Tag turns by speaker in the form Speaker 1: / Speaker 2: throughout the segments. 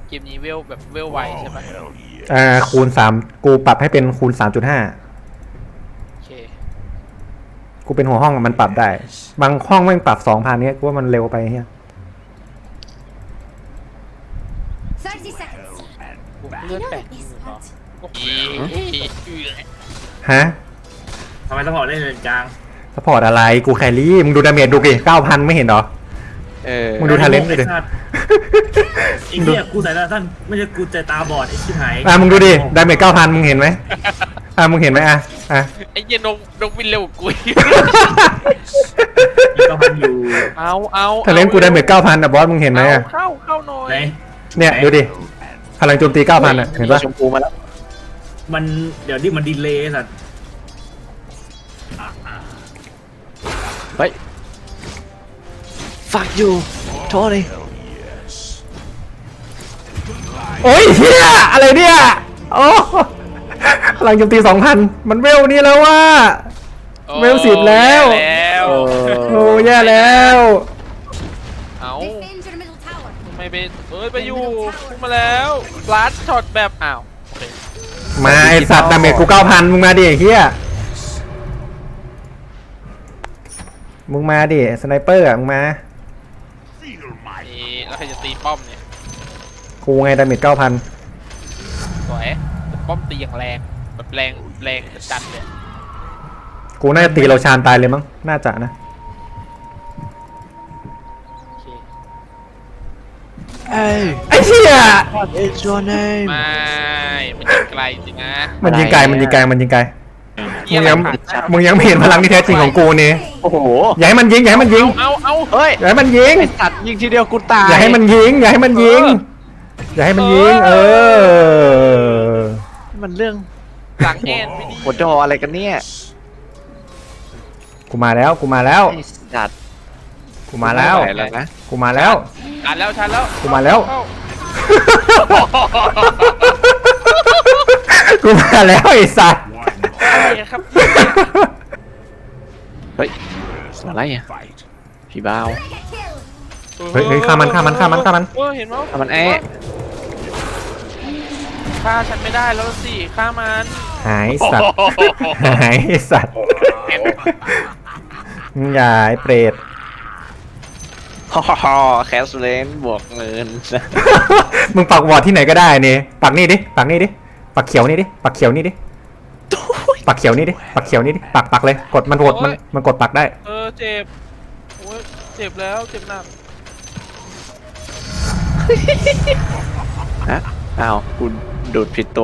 Speaker 1: เกมนี้เวลแบบเวลไวใช่ปะ
Speaker 2: คูณ3กูปรับให้เป็นคูณ 3.5
Speaker 1: โอเค
Speaker 2: กูเป็นหัวห้องมันปรับได้บางห้องแม่งปรับ 2,000เนี้ยกูว่ามันเร็วไปเฮีย
Speaker 3: 30 seconds.
Speaker 1: กูเลือด
Speaker 3: You know
Speaker 1: แปด
Speaker 3: this part.
Speaker 2: ฮะ
Speaker 4: ทำไมต้องบอกเล่นเลนกลาง
Speaker 2: สปอร์ตอะไรกูแครี่มึงดูดาเมจดูดิ 9,000 ไม่เห็นเหรอมึงดูทาเลนต์ดิ
Speaker 4: ไอ้สัตว์ไอ้เหี้ยกูสายตาสั้นไม่ใช่กูใจตาบอดไอ้ชิบหาย
Speaker 2: มึงดูดิดาเมจ 9,000 มึงเห็นไหมมึงเห็นไหม
Speaker 1: ไอ้เหี้ยนกบินเร็วกว่ากูอีก
Speaker 4: มีก็พันอยู่
Speaker 1: เอา
Speaker 2: ทาเลนต์กูดาเมจ 9,000บอสมึงเห็นไหม
Speaker 1: เข้าหน่อย
Speaker 4: ไหน
Speaker 2: เนี่ยดูดิพลังโจมตี 9,000เห็นปะ
Speaker 5: ชมพูมาแล้ว
Speaker 4: มันเดี๋ยวนี่มันดีเลย์สัตว์
Speaker 5: เฮ้ยฝักอยู่โทษเลย
Speaker 2: โอ้ยเฮียอะไรเนี่ยโอ้พลังโจมตี 2,000 มันเวลนี่แล้วว่า เวล10แล้ว โอ้แย่แล้ว
Speaker 1: เอา
Speaker 3: Defend your middle tower.
Speaker 1: ไม่ไปไปอยู่พุ่งมาแล้วลาดช็อตแบบอ้าวโอเค
Speaker 2: มาไอสัตว์ดาเมจกู 9,000 มึงมาดิเฮียมึงมาดิสไนเปอร์มึงมา
Speaker 1: นี่แล้วใครจะตีป้อมเนี่ย
Speaker 2: กูไงดาเมจ 9,000
Speaker 1: สวยป้อมตีอย่างแรงแบบแรงจัดเลย
Speaker 2: กูน่าจะตีเราชานตายเลยมั้งน่าจะนะ
Speaker 1: โอเค
Speaker 5: เอ้ย
Speaker 2: ไอ้เหี้ย
Speaker 5: It's your name
Speaker 1: ไม่มันยิงไกลจริงนะ
Speaker 2: มันยิงไกลมึงยังไม่เห็นพลังที่แท้จริงของกูนี่
Speaker 5: โอ้โห
Speaker 2: อย่าให้มันยิง
Speaker 1: เอา
Speaker 5: เฮ้ย
Speaker 2: อย่าให้มันยิง
Speaker 5: ไอสัตว์ยิงทีเดียวกูตาย
Speaker 2: อย่าให้มันยิง อย่าให้มันยิง
Speaker 5: มันเรื่อง
Speaker 1: หลังแอนไม่ดี
Speaker 5: หัวจออะไรกันเนี่ย
Speaker 2: กูมาแล้ว
Speaker 5: ไอสัตว์
Speaker 2: กูมาแล้ว
Speaker 5: ไม่ไหแล้วนะ
Speaker 2: กูมาแล้ว
Speaker 1: ชันแล้ว
Speaker 2: กูมาแล้ว
Speaker 1: เข้า
Speaker 2: กูมาแล้วไอ้สัตว์
Speaker 1: อะไรครับ
Speaker 5: เฮ้ยอะไรอ่ะพี่บ้าว
Speaker 3: Get killed.
Speaker 2: เฮ้ยฆ่ามัน
Speaker 1: เห็นมั้ย
Speaker 5: ทำมันแอะ
Speaker 1: ฆ่าฉันไม่ได้แล้วสิฆ่ามัน
Speaker 2: หายสัตว์ หายไอ้สัตว์มึงอย่าไอ้เปรต
Speaker 5: ฮ่าแคสเลนบวกเงิน
Speaker 2: มึงปักวอร์ดที่ไหนก็ได้นี่ปักนี่ดิ ปักเขียวนี่ดิ ปักเขียวนี่ดิ ปักเขียวนี่ดิ ปักเลย กดมันโหวตมันกดปักได้
Speaker 1: เจ็บโอ้ยเจ็บแล้วเจ็บหนัก
Speaker 5: ฮะอ้าวกูดูดผิดตัว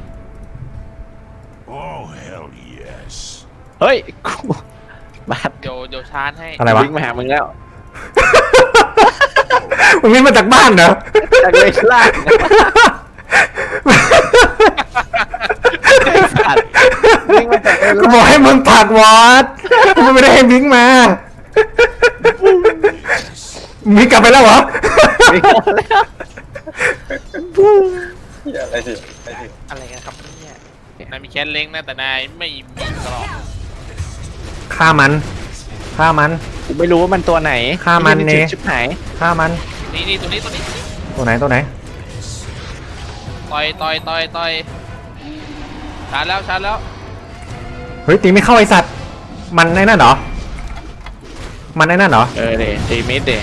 Speaker 6: Oh, hell yes.
Speaker 5: เฮ้ยกูบาด
Speaker 1: เดี๋ยวชาร์จให้
Speaker 2: อะไรวะ
Speaker 5: วิ่งมาหามึงแล้ว
Speaker 2: มึงนี่มาจากบ้านเหรอ
Speaker 5: จากเลยล่างไอ้สัตว์วิ่งมาจากเลย
Speaker 2: กูบอกให้มึงปักวอร์ดมึงไม่ได้ให้วิ่งมามีกลับไปแล้วเหรอ
Speaker 5: วิ่งมาแล้ว
Speaker 1: อะไรกันครับเนี่ยนายมีแค่เล้งนะแต่นายไม่มีตลอด
Speaker 2: ฆ่ามัน
Speaker 5: กูไม่รู้ว่ามันตัวไหน
Speaker 2: ฆ่ามันเนี่ย
Speaker 5: ชิบหาย
Speaker 2: ฆ่ามัน
Speaker 1: นี่ตัวนี้
Speaker 2: ตัวไหน
Speaker 1: ต่อยชาร์จแล้ว
Speaker 2: เฮ้ยตีไม่เข้าไอสัตว์ มันไอ้นั่นเหรอ
Speaker 5: เออเดตีมิดเด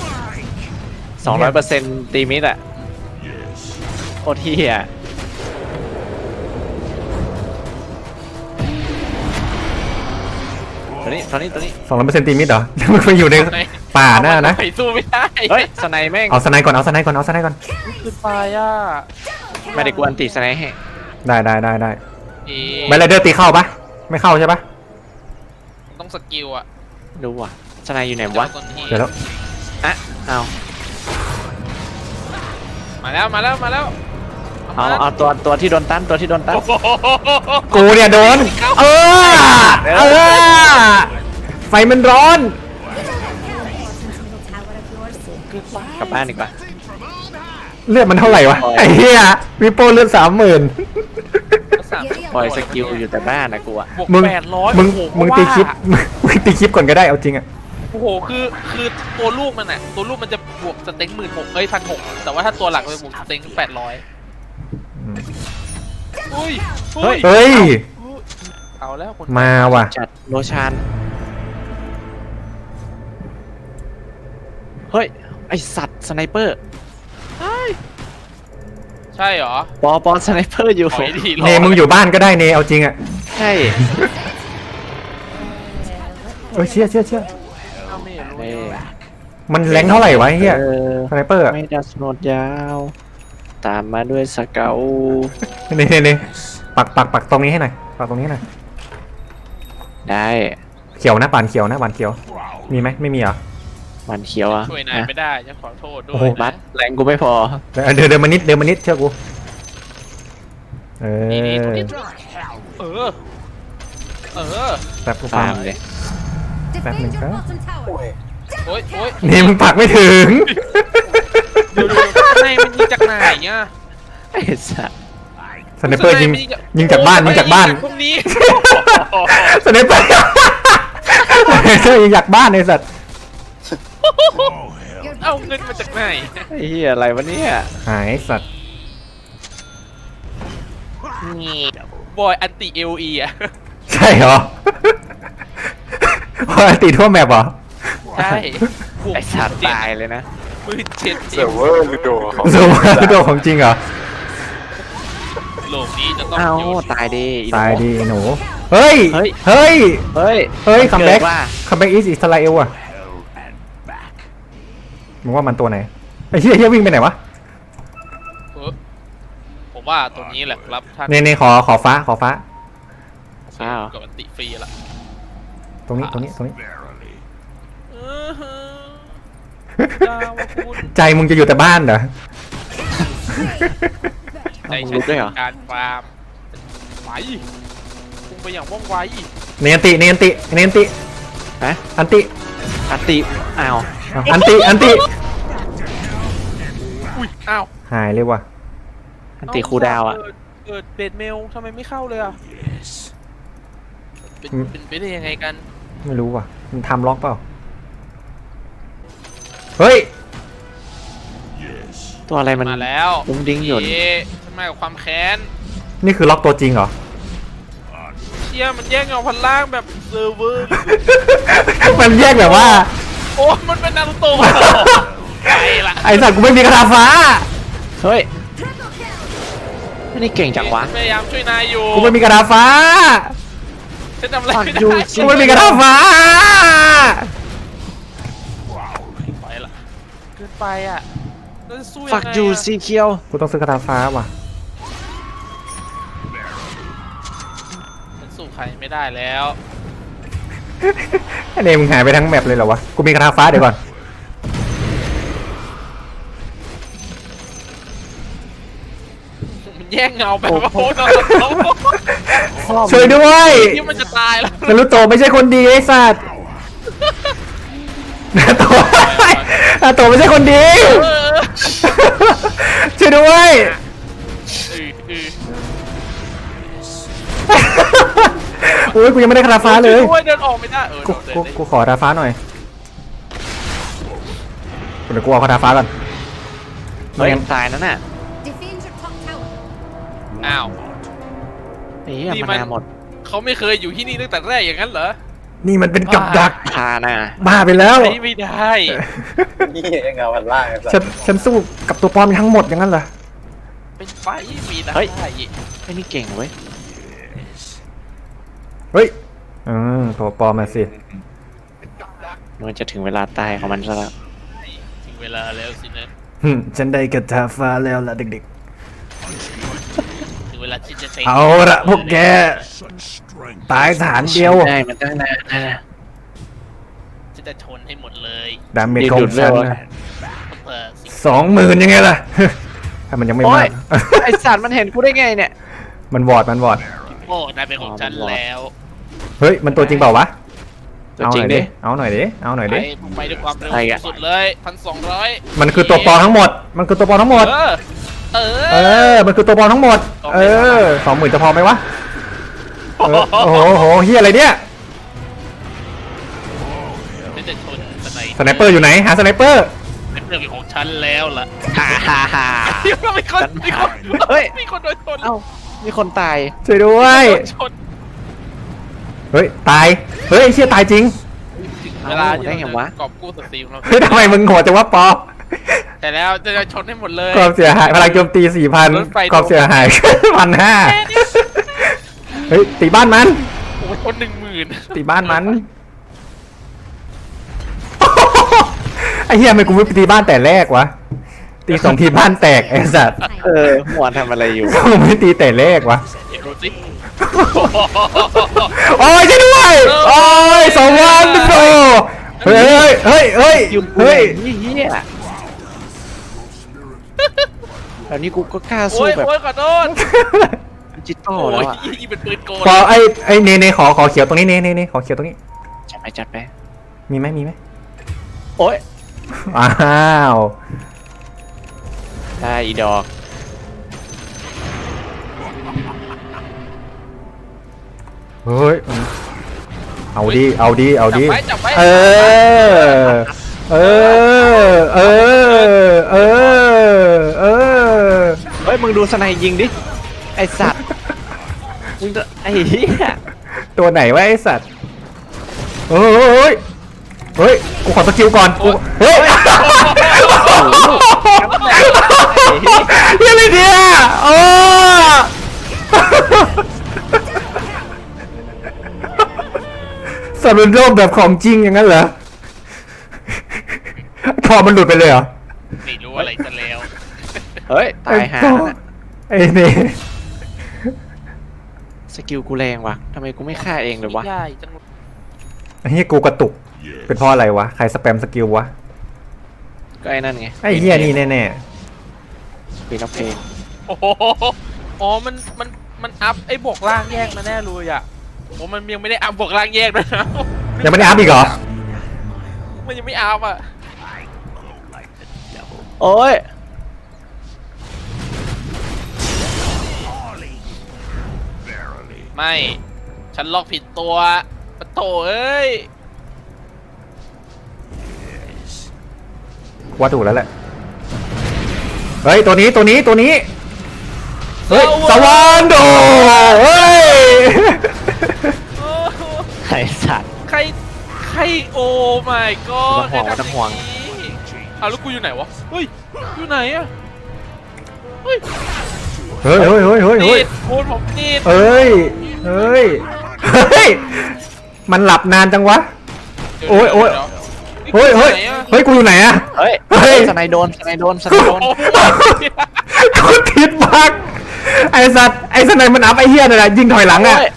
Speaker 5: 200%ตีมิดอะโคตรเที่ยตัวนี้
Speaker 2: 200%ตีมิดเหรอ มึงไปอยู่ในป่าหน้านะ
Speaker 1: ไปสู้ไม่ได้
Speaker 5: เฮ้ยสไนแม่ง
Speaker 2: เอาสไนก่อน
Speaker 1: ขึ้นไปอ่ะ
Speaker 5: ไม่ได้กวนตีสไนให้
Speaker 2: ได้
Speaker 1: เอ๊ะ
Speaker 2: แบลเลเดอร์ตีเข้าปะไม่เข้าใช่ปะ
Speaker 1: ต้องสกิลอ่ะ
Speaker 5: ดูว่ะสไนอยู่ไหนวะ
Speaker 1: ต้นที่
Speaker 2: เดี๋ยวแล้ว
Speaker 5: อ่ะเอา
Speaker 1: มาแล้ว
Speaker 5: เอาตัวที่โดนตัน
Speaker 2: กูเนี่ยโดน เออ ไฟมันร้อน
Speaker 3: Middle tower of yours.
Speaker 5: กลับบ้านดีกว่า
Speaker 2: เลือดมันเท่าไหร่วะ ไอ้เหี้ยวิโป้เลือด 30,000
Speaker 5: ปล่อยสกิลอยู่แต่บ้านนะกูอะ
Speaker 1: บวก
Speaker 2: มึง
Speaker 1: 800
Speaker 2: มึง
Speaker 1: โอ้โห
Speaker 2: มึงตีคลิป มึงตีคลิปก่อนก็ได้เอาจริงอะ
Speaker 1: โโอ้โหคือตัวลูกมันอะตัวลูกมันจะบวกสเต็ง16,000เอ้ย1,600แต่ว่าถ้าตัวหลักมันบวกสเต็ง800อุ้ย
Speaker 2: เฮ้ย
Speaker 1: เอาแล้วคน
Speaker 2: มาว่ะ
Speaker 5: จัดโรชานเฮ้ย ไอสัตว์สไนเปอร์
Speaker 1: ใช่เหรอ
Speaker 5: ปอสไนเปอร์อยู่
Speaker 1: ถอยดี
Speaker 2: เนมึงอยู่บ้านก็ได้เนเอาจริงอ่ะ
Speaker 5: ใช่
Speaker 2: เอ้ยเชี่ย
Speaker 1: เอาไม่รู้
Speaker 5: เอ้ย
Speaker 2: มันแรงเท่าไหร่วะไอ้เฮีย
Speaker 5: เออ
Speaker 2: สไนเปอร์อะ
Speaker 5: ไม่ดัสโนดยาว ตามมาด้วยสเกล
Speaker 2: นี่ปักตรงนี้ให้หน่อยปักตรงนี้ให้หน่อย
Speaker 5: ได้
Speaker 2: เขียวนะบานเขียวนะบานเขียว มีไหมไม่มีเหรอ
Speaker 5: มันเขียวอ่ะ
Speaker 1: ช่วยนายไม่ได้จะขอโทษด้ว
Speaker 2: โอ้โห
Speaker 1: ย
Speaker 5: บั
Speaker 1: นะ
Speaker 5: สแรงกูไม่พอ
Speaker 2: เดินมานิดเชื่อกูเอ
Speaker 1: นี่
Speaker 2: อ
Speaker 1: เออ
Speaker 2: แป๊บกู
Speaker 5: ตา
Speaker 2: ฟัง
Speaker 5: มเลย
Speaker 3: Defend your
Speaker 2: Backward.
Speaker 3: bottom tower.
Speaker 1: โอ๊ย
Speaker 2: นี่มึงปักไม่ถึง
Speaker 1: ดูในมันยิงจากไหนเนี่ย
Speaker 5: ไอ้สัตว์
Speaker 2: สไนเปอร์ยิงจากบ้านยิงจากบ้าน
Speaker 1: พวกนี้
Speaker 2: สไนเปอร์ยิงจากบ้านไอ้สัตว์
Speaker 3: Your
Speaker 1: เอา
Speaker 3: bottom
Speaker 1: เงินมาจากไหน
Speaker 5: ไอ้เหี้ยอะไรวะเนี่ย
Speaker 2: หายสัตว์
Speaker 1: บอยอันติเอลีอ่ะ
Speaker 2: ใช่เหรอพอตีทั่วแมปเหรอ
Speaker 1: ใช่
Speaker 5: ไอ้สัตว์ตายเลยนะ
Speaker 1: มือเจ็ด
Speaker 6: เซิร์ฟเวอร์ลูโดของ
Speaker 2: สูงตัวของจริงเหรอ
Speaker 1: โลกนี้จะต้อง
Speaker 5: เอ้า
Speaker 1: อยู่
Speaker 5: ตายดีอีหนู
Speaker 2: ตายดีหนู เฮ้ย
Speaker 5: เฮ้ย
Speaker 2: เฮ้ย
Speaker 5: เฮ้ย
Speaker 2: เฮ้ย
Speaker 5: มัน
Speaker 2: คัมแบ็ก
Speaker 5: เกิดว่า
Speaker 2: คัมแบ็กอิสราเอลอะมึงว่ามันตัวไหนไอ้เหี้ยวิ่งไปไหนวะ
Speaker 1: ผมว่าตัวนี้แหละครับท่าน
Speaker 2: เนขอฟ้า
Speaker 5: อ้าว
Speaker 1: กับอันติฟรีละ
Speaker 2: ตรงนี้
Speaker 1: ดาวคุณ
Speaker 2: ใจมึงจะอยู่แต่บ้านเหรอ
Speaker 1: ใจ
Speaker 5: มึง
Speaker 1: ฉั
Speaker 5: รู้ด้วยเหรอ
Speaker 1: การฟาร์มไหวพุ่งไปอย่างว่องไว
Speaker 2: เนนติ
Speaker 5: ฮะ
Speaker 2: อันติ
Speaker 5: อัตติอ้าว
Speaker 2: อันติ
Speaker 1: อุ้ยอ้าว
Speaker 2: หายเลยว่ะ
Speaker 5: อันติคูลดาวน์อ่ะ
Speaker 1: เกิดเบดเมลทำไมไม่เข้าเลยอ่ะเป็นไปได้ยังไงกัน
Speaker 2: ไม่รู้ว่ะ มันทำล็อกเปล่า เฮ้ย
Speaker 5: ตัวอะไรมัน
Speaker 1: มาแล้ว
Speaker 5: ดุ้งดิ้งหย่น
Speaker 1: เอ๊ะฉันมากับความแค้น
Speaker 2: นี่คือล็อกตัวจริงเหรอ
Speaker 1: เชี่ยมันแย่งเอาพันล่างแบบเซิร์ฟเวอร์
Speaker 2: มันแยกแบบว่า
Speaker 1: โอ้มันเป็นนารูโตะไปละ
Speaker 2: ไอสัตว์กูไม่มีกระดาษฟ้า
Speaker 5: เฮ้ย
Speaker 3: triple kill.
Speaker 5: ไม่ได้เก่งจังวะ
Speaker 1: พยายามช่วยนายอยู่
Speaker 2: กูไม่มีกระดาษฟ้า
Speaker 1: ฉันทำอะไรไม่
Speaker 5: ฟังอยู่
Speaker 1: ได้
Speaker 2: กูไม่มีกระดาษฟ้า
Speaker 1: ไปละเกินไปอ่ะแล้วจะสู้ยังไง
Speaker 5: ฝักอยู่สีเขียว
Speaker 2: กูต้องซื้อกระดาษฟ้าว่ะ
Speaker 1: ฉันสู้ใครไม่ได้แล้ว
Speaker 2: ไอเนมมึงหายไปทั้งแมปเลยเหรอวะ กูมีกระดาษฟ้าเดี๋ยวก่อน
Speaker 1: มันแย่งเงาแบบว่าโอ้โห
Speaker 2: ช่วยด้วย
Speaker 1: ที่มันจะตายแล้ว
Speaker 2: นารุโตะไม่ใช่คนดีไอ้สัตว์นาโตะไม่ใช่คนดี ช่วยด้วย โอ้ยกูยังไม่ได้กระดาษฟ้าเลย
Speaker 1: ช่วยเดินออกไม่ได้
Speaker 2: กูขอกระดาษฟ้าหน่อยเดี๋ยวกูเอากระดาษฟ้าก่อน
Speaker 5: เฮ้ยตายนั่นน่ะ
Speaker 3: Defend your top tower.
Speaker 1: อ้าว
Speaker 5: ไอ้เหี้ย
Speaker 1: นี่
Speaker 5: มั
Speaker 1: มัน
Speaker 5: นนาหมด
Speaker 1: เขาไม่เคยอยู่ที่นี่ตั้งแต่แรกอย่างนั้นเหรอ
Speaker 2: นี่มันเป็นกับดัก
Speaker 5: พาน่ะ
Speaker 2: บ้าไปแล้ว
Speaker 1: ใช้ไม่ได้
Speaker 6: นี่เงาพันล่างไอ้สั
Speaker 2: ฉันสู้กับตัวปลอมทั้งหมดอย่างนั้นเหรอ
Speaker 1: เป็นไฟมีได้
Speaker 5: ไอ้นี่เก่งเว้ย
Speaker 2: เฮ้ยตัวปลอมมาสิ
Speaker 5: มันจะถึงเวลาตายของมันซะแล้ว
Speaker 1: ถึงเวลาแล้วสินะ
Speaker 2: ฉันได้กระดาษฟ้าแล้วล่ะเด็ก
Speaker 1: ถึงเวลาที่จะเต็ง
Speaker 2: ๆ เอาละพวกแก ตายฐานเดียว
Speaker 5: ได้มันตั้งนานนะ
Speaker 1: จะชนให้หมดเลย
Speaker 2: ดาเมจของฉันนะ
Speaker 1: สิ
Speaker 2: 20,000ยังไงล่ะ ถ้ามันยังไม่
Speaker 5: โอ้
Speaker 2: มาย ก
Speaker 5: ไอสัตว์มันเห็นกูได้ไงเนี่ย
Speaker 2: มันวอด
Speaker 1: โอ้นายเป็นของฉันแล้ว
Speaker 2: เฮ้ย มันตัวจริงเปล่าวะ
Speaker 5: ตัวจริงดิ
Speaker 2: เอาหน่อยดิ
Speaker 1: ไปด้วยความเร็ว
Speaker 5: ไปอะ
Speaker 1: สุดเลย1,200
Speaker 2: มันคือตัวปลอมทั้งหมด มันคือตัวปลอมทั้งหมด มันคือตัวปลอมทั้งหมด 20,000จะพอไหมวะ โอ้โหเฮียอะไรเนี่ย
Speaker 1: จะชน
Speaker 2: สไนเปอร์อยู่ไหนหาสไนเปอร์
Speaker 1: เป็นเรื่องของฉันแล้วล่ะ
Speaker 5: ฮ่าฮ่าฮ่า
Speaker 1: มีคนมีคน
Speaker 5: เฮ้ย
Speaker 1: มีคนโดนชน
Speaker 5: เอ้ามีคนตาย
Speaker 2: ช่วยด้วย
Speaker 1: โดนชน
Speaker 2: เฮ้ยตายเฮ้ยไอ้เชี่ยตายจริง
Speaker 1: ถึงเวลา
Speaker 5: ได้ไงวะ
Speaker 1: กอบกู้สตรีมเรา
Speaker 2: เฮ้ยทำไมมึงโหดจังวะปอ
Speaker 1: แต่แล้วจะชนให้หมดเลย
Speaker 2: ความเสียหายพลังโจมตี
Speaker 1: รถไฟ
Speaker 2: 4,000ความเสียหาย 1,500เฮ้ยตีบ้านมัน
Speaker 1: โอ้ยชน10,000
Speaker 2: ตีบ้านมัน ไอ้เหี้ยทำไมกูไม่ไปตีบ้านแต่แรกวะตีสองทีบ้านแตกไอ้สัตว์
Speaker 5: หมวนทำอะไรอยู่
Speaker 2: กูไม่ตีแต่แรกวะ
Speaker 1: เดี๋ยวดูสิ
Speaker 2: โอ้ยช่วยด้วยโอ้ย2 วันโตเฮ้ยเฮ้ยเฮ้ย
Speaker 5: อยู่
Speaker 2: เฮ้ย
Speaker 5: นี่เฮียแล้วนี่กูก็กล้า
Speaker 1: โอ้
Speaker 5: สู้
Speaker 1: ย
Speaker 5: แบบ
Speaker 1: โอ้ยขอโทษ
Speaker 5: ดิจิตอล
Speaker 1: โอ้
Speaker 5: แล้ว
Speaker 1: ย
Speaker 5: อะ
Speaker 1: ยิงเป็นปืนโกน
Speaker 2: พอไอ้เนขอเขียวตรงนี้เนขอเขียวตรงนี้
Speaker 5: จัดไป
Speaker 2: มีไหม
Speaker 5: โอ้ย
Speaker 2: อ้าว
Speaker 5: ได้อีดอก
Speaker 2: เฮ้ยเอาดิ
Speaker 1: จับไว้
Speaker 2: เออเออเ
Speaker 5: เฮ้ยมึงดูสไนยิงดิไอสัตว์มึงจะไอ้เหี้ย
Speaker 2: ตัวไหนวะไอสัตว์เฮ้ยกูขอสกิลก่อนเฮ้ยยังไงเนี่ยโอ้สัตว์เป็นโรคแบบของจริงอย่างนั้นเหรอคอมันหลุดไปเลยเหรอ
Speaker 1: ไม่รู้อะไรซะแล้ว
Speaker 5: เฮ้ยตายห่าน่ะ
Speaker 2: ไอ้นี่
Speaker 5: สกิลกูแรงว่ะทำไมกูไม่ฆ่าเองเลยวะ
Speaker 1: ใหญ่จัง
Speaker 2: ไอ้เหี้ยกูกระตุกเป็นเพราะอะไรวะใครสแปมสกิลวะ
Speaker 5: ก็ไอ้นั่นไง
Speaker 2: ไอ้เหี้ยนี่แน่
Speaker 5: ปีนักเพลง
Speaker 1: โอ้โหอ๋อมันอัพไอ้บวกล่างแยกมาแน่เลยอ่ะโอ้มันยังไม่ได้อัพบวกล่างแยกด้วยนะ
Speaker 2: ๆยังไม่ได้อัพอีกเหรอ
Speaker 1: มันยังไม่อัพอ่ะ
Speaker 5: โอ้ย
Speaker 1: ไม่ฉันล็อกผิดตัวปะโถเอ้ย
Speaker 2: ว่าถูกแล้วแหละเฮ้ยตัวนี้เฮ้ยสวรรค์โดเฮ้ย
Speaker 1: โอ้โห
Speaker 5: ไอสัตว์
Speaker 1: ใครโอ้ my god
Speaker 5: ไม่ต้องห่วง
Speaker 1: เอาแล้วกูอยู่ไหนวะเฮ้ยอยู่ไหนอะเฮ้ย
Speaker 2: เฮ้ย
Speaker 1: ติดโอนผมติด
Speaker 2: เฮ้ยมันหลับนานจังวะ โอ้ย
Speaker 1: เดี๋ว
Speaker 2: เฮ้ยกูอยู่ไหนอะ
Speaker 5: เฮ้ย
Speaker 2: เฮ้ย
Speaker 5: สไนโดน
Speaker 1: โอ้โห
Speaker 2: กูติดบักไอสัตว์ไอสไนมันอัพไอเฮียนั่นแหละยิงถอยหลังอะ
Speaker 5: โย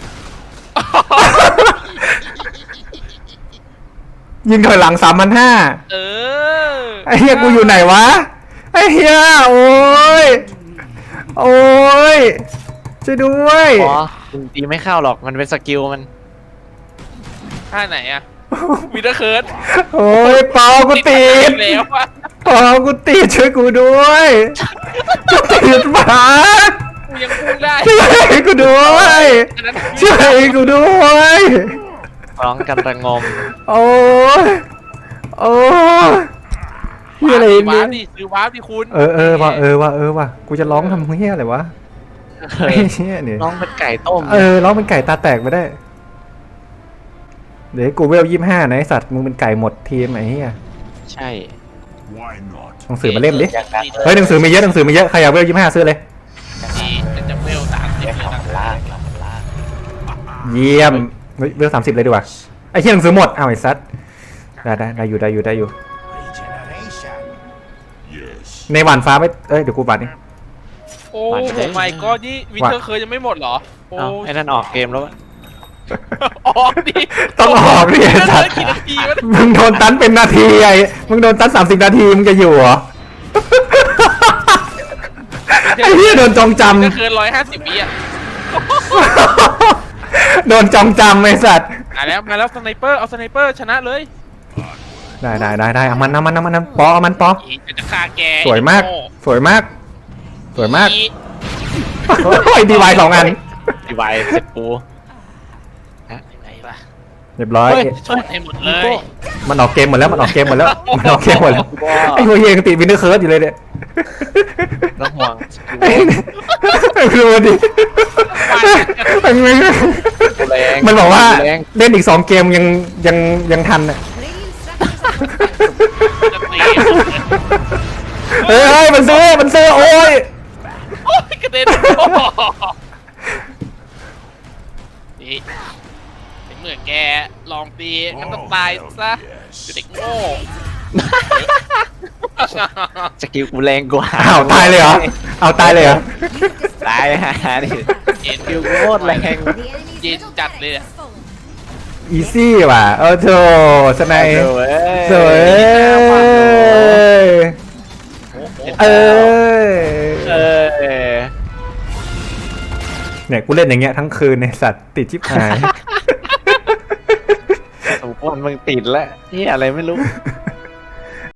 Speaker 2: ยิงถอยหลัง3,500
Speaker 1: เออ
Speaker 2: ไอเฮียกูอยู่ไหนวะไอเฮียโอ้ยช่วยด้วย
Speaker 5: อ๋อมึงตีไม่เข้าหรอกมันเป็นสกิลมัน
Speaker 1: ท่าไหนอะวินเทอร์เคิร์ด
Speaker 2: โอ้ยเปากูติด
Speaker 1: แล้วอะ
Speaker 2: เปากูติดช่วยกูด้วยกูติดบัก
Speaker 1: กูยังพูดได้
Speaker 2: ช่วยกูด้วย
Speaker 1: อันนั้น
Speaker 2: ช่วยกูด้วย
Speaker 5: ร้องกันระงม
Speaker 2: โอ้ยเฮียอะไร
Speaker 1: วา
Speaker 2: เนี่
Speaker 1: ร์ปดิซื้อวาร์ปดิคุณ
Speaker 2: ว่ะกูจะร้องทำเฮียอะไรวะ
Speaker 5: เฮ้ย
Speaker 2: เฮียเนี่ย
Speaker 5: น้องเป็นไก่ต้ม
Speaker 2: ร้องเป็นไก่ตาแตกไปได้ เดี๋ยวกูเวล25นะไอสัตว์มึงเป็นไก่หมดทีมไอ้เฮีย
Speaker 5: ใช่
Speaker 2: หนังสือมาเล่มดิ
Speaker 6: อย่างนั้น
Speaker 2: เฮ้ยหนังสือมีเยอะใครอยากเวล25ซื้อเลย
Speaker 1: ดีจะเวล30
Speaker 6: เรียก
Speaker 1: เลย
Speaker 6: ของ
Speaker 1: นะ
Speaker 6: ล่าง
Speaker 2: เยี่ยมเฮ้ยเวล30เลยดีกว่าไอ้เฮียหนังสือหมดอ้าวไอ้สัตว์ได้อยู่ในหวานฟ้าไม่เดี๋ยวกูหวานนี่
Speaker 1: โอ้โหไม่ก็นี่วินเทอร์เคิร์ดยังไม่หมดเหรอโอ้
Speaker 5: เอ้าไอ้นั่นออกเกมแล้ววะ
Speaker 1: ออกดิ
Speaker 2: ต้องออกดิไอ้
Speaker 1: วินเท
Speaker 2: สั
Speaker 1: อ
Speaker 2: ต
Speaker 1: ร์
Speaker 2: ว์
Speaker 1: กี่นาทีวะ
Speaker 2: มึงโดนตันเป็นนาทีมึงโดนตัน30 นาทีมึงจะอยู่เหรอไอ้เฮียโดนจองจ
Speaker 1: วินเทอร์เคิร์ด150วิอ่ะ
Speaker 2: ำโดนจองจำไอ้สัตว์
Speaker 1: มาแล้วสไนเปอร์เอาสไนเปอร์ชนะเลย
Speaker 2: ได้เอามันปอเอามันปอ
Speaker 1: อีกจะฆ่าแก
Speaker 2: สวยมาก
Speaker 1: โง่
Speaker 2: โอ้ยดีวาย2 อัน
Speaker 5: ดีไวเสร็จกู
Speaker 1: ไหนล่ะ
Speaker 2: เรียบร้อย
Speaker 5: เฮ้ยช่วย
Speaker 1: ให้หมดเลย
Speaker 2: มันออกเกมหมดแล้วมันออกเกมหมดแล้วมันออกเกมหมดแล้วไอ้พวกเหี้ยยังติดวินเทอร์เคิร์สอยู่เลยเนี่ย
Speaker 5: น้องห่วง
Speaker 2: ไอ้ดูดิมันบอกว่าเล่นอีก2เกมยังทันอ่ะ
Speaker 3: Three instructors.
Speaker 1: จะตี
Speaker 2: เฮ้ยมันซื้อโอ้ย
Speaker 1: โอ้ยกระเด็นนี่เป็นเหมือนแกลองตีงั้นต้องตายซะเด็กโง่
Speaker 5: สกิลกูแรงกว่า
Speaker 2: อ้าวตายเลยเหรอเอาตายเลยเหรอ
Speaker 5: ตายฮะนี่
Speaker 1: เห็น
Speaker 5: สกิลกูโคตรแรง
Speaker 3: The enemy's
Speaker 1: Nhìn
Speaker 3: middle
Speaker 1: chặt
Speaker 3: barracks
Speaker 1: đi ạ.
Speaker 3: has fallen.
Speaker 2: อีซี่ว่ะโธ่สไน
Speaker 5: เอ้ย
Speaker 2: สวยเอ้ย
Speaker 5: เออ
Speaker 2: เนี่ยกูเล่นอย่างเงี้ยทั้งคืนในสัตว์ติดชิบหาย
Speaker 5: สมควรมึงติดแล้วนี่อะไรไม่รู้